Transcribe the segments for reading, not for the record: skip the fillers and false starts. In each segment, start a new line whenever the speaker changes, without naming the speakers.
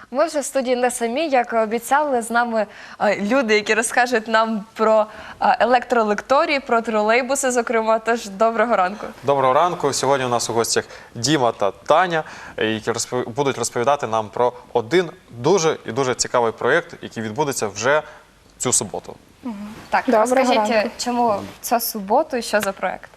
Ми вже в студії не самі, як і обіцяли, з нами люди, які розкажуть нам про електролекторії, про тролейбуси, зокрема. Тож, доброго ранку.
Доброго ранку. Сьогодні у нас у гостях Діма та Таня, які будуть розповідати нам про один дуже цікавий проєкт, який відбудеться вже цю суботу.
Так, розкажіть, чому цю суботу і що за проєкт?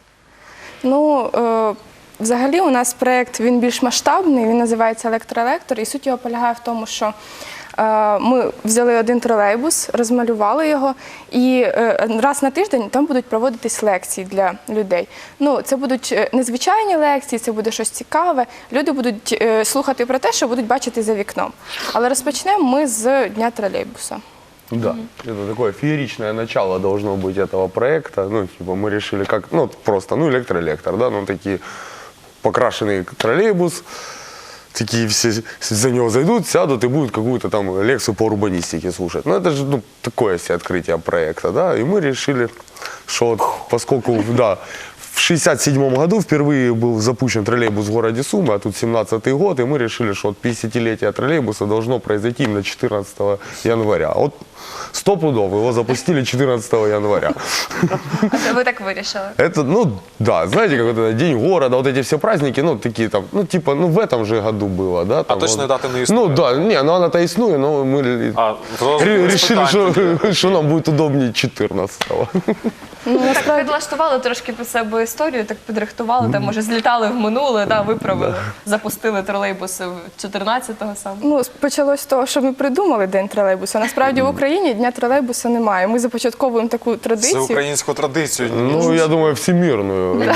Взагалі у нас проєкт, він більш масштабний, він називається «Електроелектор», і суть його полягає в тому, що ми взяли один тролейбус, розмалювали його, і раз на тиждень там будуть проводитись лекції для людей. Це будуть незвичайні лекції, це буде щось цікаве. Люди будуть слухати про те, що будуть бачити за вікном. Але розпочнемо ми з Дня тролейбуса.
Да, это такое фееричное начало должно быть этого проекта. Мы решили как, просто, электролектор, да, такие покрашенный троллейбус, такие все за него зайдут, сядут и будут какую-то там лекцию по урбанистике слушать. Это же, такое себе открытие проекта, да, и мы решили, что поскольку, да, в 1967 году впервые был запущен троллейбус в городе Сумы, а тут 17-й год, и мы решили, что 50-летие троллейбуса должно произойти именно 14 января. Стопудово его запустили 14 января.
Ви так вирішили?
Это, да, знаете, как это День города, вот эти все праздники, такие там, в этом же году было, да. Там,
точной даты не існує?
Да, она-то иснует, но мы решили, что нам будет удобнее 14-го.
Так підлаштували трошки під себе історію, так підрихтували, там, може, злітали в минуле, виправили, запустили тролейбуси 14-го саме.
Почалось з того, що ми придумали День тролейбуса. Насправді в Україні Дня тролейбуса немає. Ми започатковуємо таку традицію.
Це українську традицію.
Я думаю, всемирную.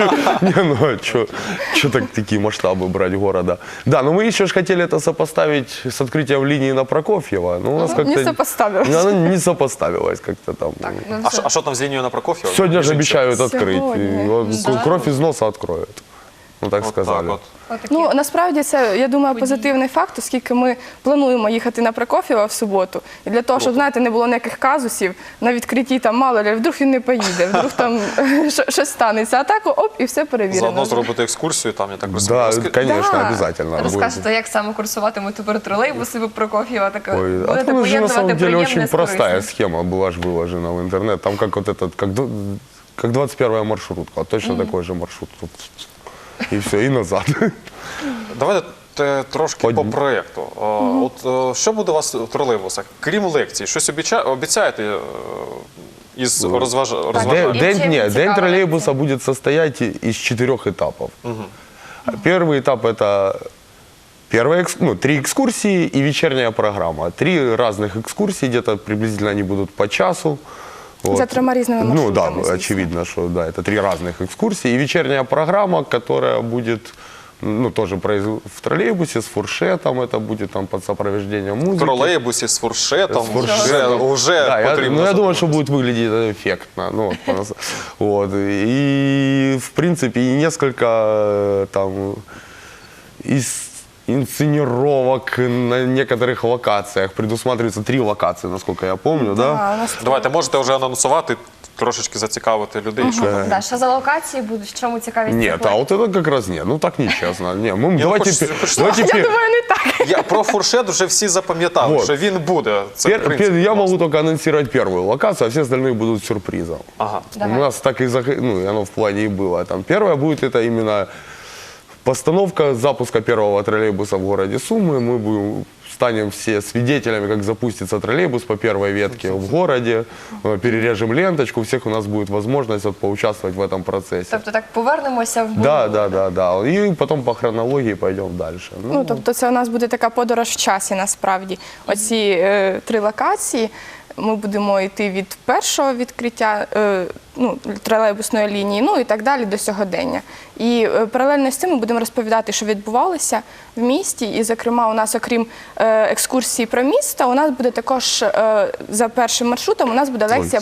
Что такие масштабы брать города? Да, но мы еще же хотели это сопоставить с открытием линии на Прокофьева.
Не сопоставилось.
Она не сопоставилась как-то там.
А что там с линией на Прокофьева?
Сегодня же обещают открыть. Кровь из носа откроют. Так сказали.
Насправді це, я думаю, позитивний факт, оскільки ми плануємо їхати на Прокоф'єва в суботу. І для того, щоб, знаєте, не було ніяких казусів, на відкритті там мало ли, вдруг він не поїде, вдруг там щось станеться. А так, оп, і все перевірено.
Заодно зробити екскурсію там, я так розумію.
Да, конечно, обязательно.
Розкажете, як саме курсуватимуть тепер тролейбуси в Прокоф'єва?
Будете поєднувати на самом деле очень простая схема была же выложена в интернет. Там как 21-я маршрутка, точно такой же маршрут. І все, і назад.
Давайте трошки по проєкту. Що буде у вас в тролейбусах? Крім лекцій, щось обіцяєте із розважань?
День троллейбуса будет состоять из 4 этапов. Первый этап – это 3 экскурсии и вечерняя программа. 3 разных экскурсии, где-то приблизительно они будут по часу.
За 3 разными маршрутами.
Да, очевидно, что да, это 3 разных экскурсии. И вечерняя программа, которая будет тоже в троллейбусе с фуршетом, это будет там под сопровождением музыки.
В троллейбусе с фуршетом уже
да,
потрібно.
Я думаю, что будет выглядеть эффектно. И, в принципе, несколько там инсценировок на некоторых локациях. Предусматривается 3 локации, насколько я помню, да?
Давайте, можете вже анонсувати, трошечки зацікавити людей.
Що за локації будуть, в чому цікавість?
Нет, а вот это как раз нет. Так нечестно.
Я думаю, не так.
Я про фуршет вже всі запам'ятали, що він буде.
Я могу только анонсировать первую локацию, а все остальные будут сюрпризом. У нас так и оно в плане и было. Первая будет это именно постановка запуска первого троллейбуса в городе Сумы. Мы станем все свидетелями, как запустится троллейбус по первой ветке в городе. Перережем ленточку, у всех у нас будет возможность поучаствовать в этом процессе.
Тобто так повернемося в минуле?
Да. И потом по хронологии пойдем дальше.
Тобто це у нас буде така подорож в часі, насправді. Оці 3 локації. Ми будемо йти від першого відкриття тролейбусної лінії, і так далі до сьогодення. І паралельно з цим ми будемо розповідати, що відбувалося в місті. І, зокрема, у нас, окрім екскурсії про місто, у нас буде також за першим маршрутом, у нас буде лекція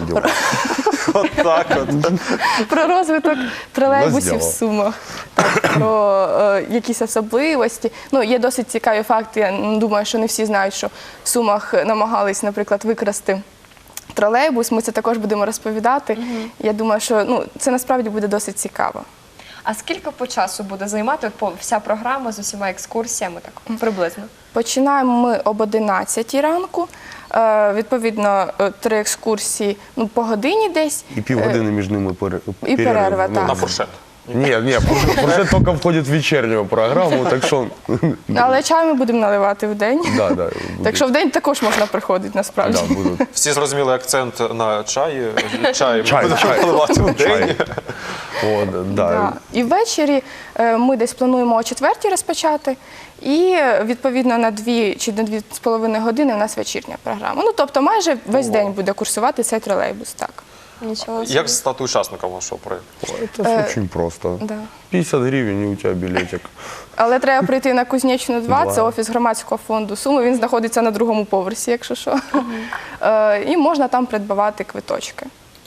про розвиток тролейбусів в Сумах, про якісь особливості. Є досить цікаві факти, я думаю, що не всі знають, що в Сумах намагались, наприклад, викрасти тролейбус, ми це також будемо розповідати. Я думаю, що це насправді буде досить цікаво.
А скільки по часу буде займати вся програма з усіма екскурсіями, так приблизно?
Починаємо ми об 11 ранку. Відповідно, 3 екскурсії по годині десь.
И півгодини між ними
І перерва, так.
На фуршет.
Нет, фуршет только входит в вечернюю программу, так что...
Але чай ми будемо наливати в день.
Да, да.
Так що в день також можна приходити, насправді.
Да, будут.
Всі зрозуміли акцент на чаї. Чай
Чай,
будемо
чай.
наливати в день.
Чай. Вот, да.
Да. І ввечері ми десь плануємо о 4-й розпочати. І відповідно на 2 чи на 2,5 години у нас вечірня програма. Ну, тобто майже весь день буде курсувати цей тролейбус, так.
Нічого собі.
Як стати учасником вашого проєкту?
Это очень просто.
Да.
50 гривен, и у тебя билетик.
Але треба прийти на Кузнєчну 2, це
Два.
офіс громадського фонду Суми, він знаходиться на 2-му поверсі, якщо що. І можна там придбавати квиточки.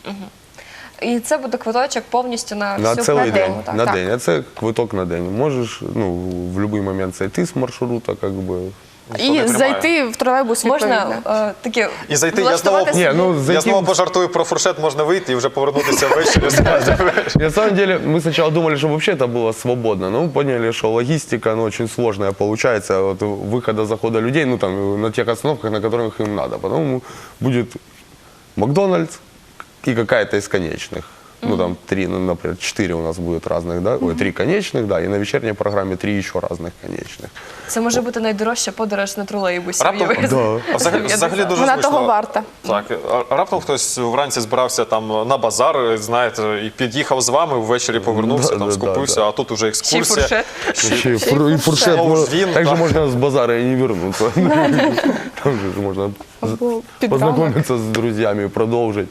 І це буде квиточок повністю на
На
всю
целый
програму,
день.
так?
На
Так.
день. Это квиток на день. Можешь в любой момент зайти с маршрута, как бы.
Ніхто не
І
тримає.
зайти в тролейбус відповідно.
Можна таке
І зайти, я знову,
влаштувати
Ні, ну,
собі-
я
зайти
знову
в-
пожартую про фуршет, можна вийти і вже повернутися ввечері.
На самом деле, мы сначала думали, что вообще это было свободно, но мы поняли, что логистика, очень сложная получается, вот выхода, захода людей, там, на тех остановках, на которых им надо. Потом будет Макдональдс и какая-то из конечных. Там 3, например, 4 у нас будет разных, да? 3 конечных, да, и на вечерней программе 3 еще разных конечных.
Це може бути найдорожча подорож на тролейбусі.
Раптом,
уявити.
а взагалі дуже
Вона
зручно.
того варта.
Так, а раптом хтось вранці збирався там на базар, знаєте, і під'їхав з вами, ввечері повернувся,
Да,
там
да,
скупився,
да.
а тут уже
Ще й
екскурсія.
фуршет.
Еще и фуршет.
Знову ж він,
Также
так.
можно с базара и не вернуться. Там же можно
Або під ранок.
познакомиться с друзьями и продолжить.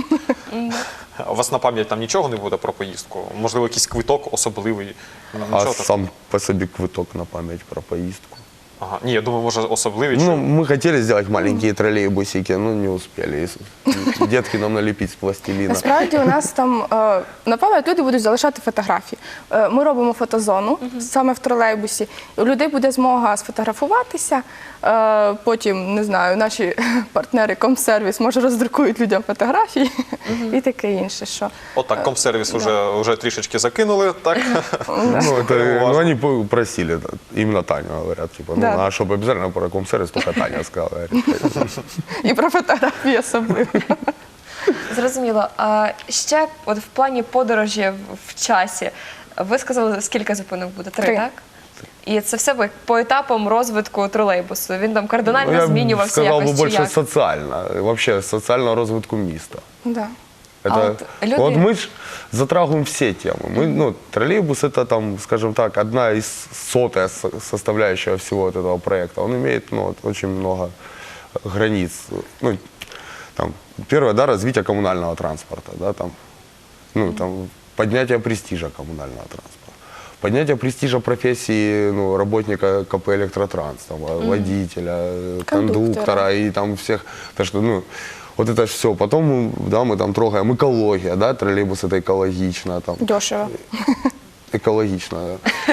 У вас на пам'ять там нічого не буде про поїздку? Можливо, якийсь квиток особливий?
А
Нічого такого?
сам по себе квиток на память про поездку.
Ага. Ні, я думаю, може особливий.
Ну,
чи-
мы хотели сделать маленькие троллейбусики, но не успели. Детки нам налепить с пластилина.
Насправді у нас там на пам'ять люди будуть залишати фотографії. Ми робимо фотозону саме в тролейбусі. У людей буде змога сфотографуватися. Потім, не знаю, наші партнери Комсервіс може роздрукують людям фотографії і таке інше. Що
Отак, комсервіс вже трішечки закинули, так?
Они просили, да, именно Таню говорят, типа,
Да.
а чтобы обязательно про комсервис, только Таня сказала. Говорит.
і про фотографії особливо.
Зрозуміло. А ще от в плані подорожі в часі, ви сказали, скільки зупинок буде? 3,
3.
так? І це все по етапам розвитку тролейбусу. Він там кардинально
Я
змінювався
сказал бы
якось чи
больше
як?
социально, вообще социального развитку места.
Да.
Это,
вот люди-
вот мы ж затрагиваем все темы. Мы, троллейбус это там, скажем так, одна из сотая составляющая всего вот этого проекта. Он имеет очень много границ. Там, первое, да, развитие коммунального транспорта, да, там, поднятие престижа коммунального транспорта. Поднятие престижа профессии работника КП «Электротранс», там, водителя, кондуктора и там всех. Так что, вот это все. Потом мы там трогаем экология, да, троллейбус это экологично. Там,
Дешево.
экологично. Да.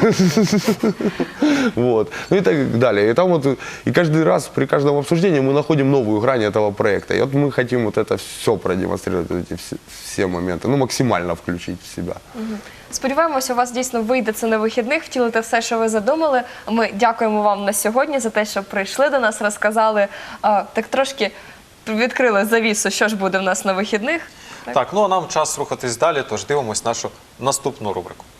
Вот. И так далее. И там и каждый раз при каждом обсуждении мы находим новую грань этого проекта. И вот мы хотим вот это все продемонстрировать, эти все моменты, максимально включить в себя.
Сподіваємося, у вас дійсно вийде це на вихідних, втілити все, що ви задумали. Ми дякуємо вам на сьогодні за те, що прийшли до нас, розказали, так трошки відкрили завісу, що ж буде в нас на вихідних.
Так, а нам час рухатись далі, тож дивимось нашу наступну рубрику.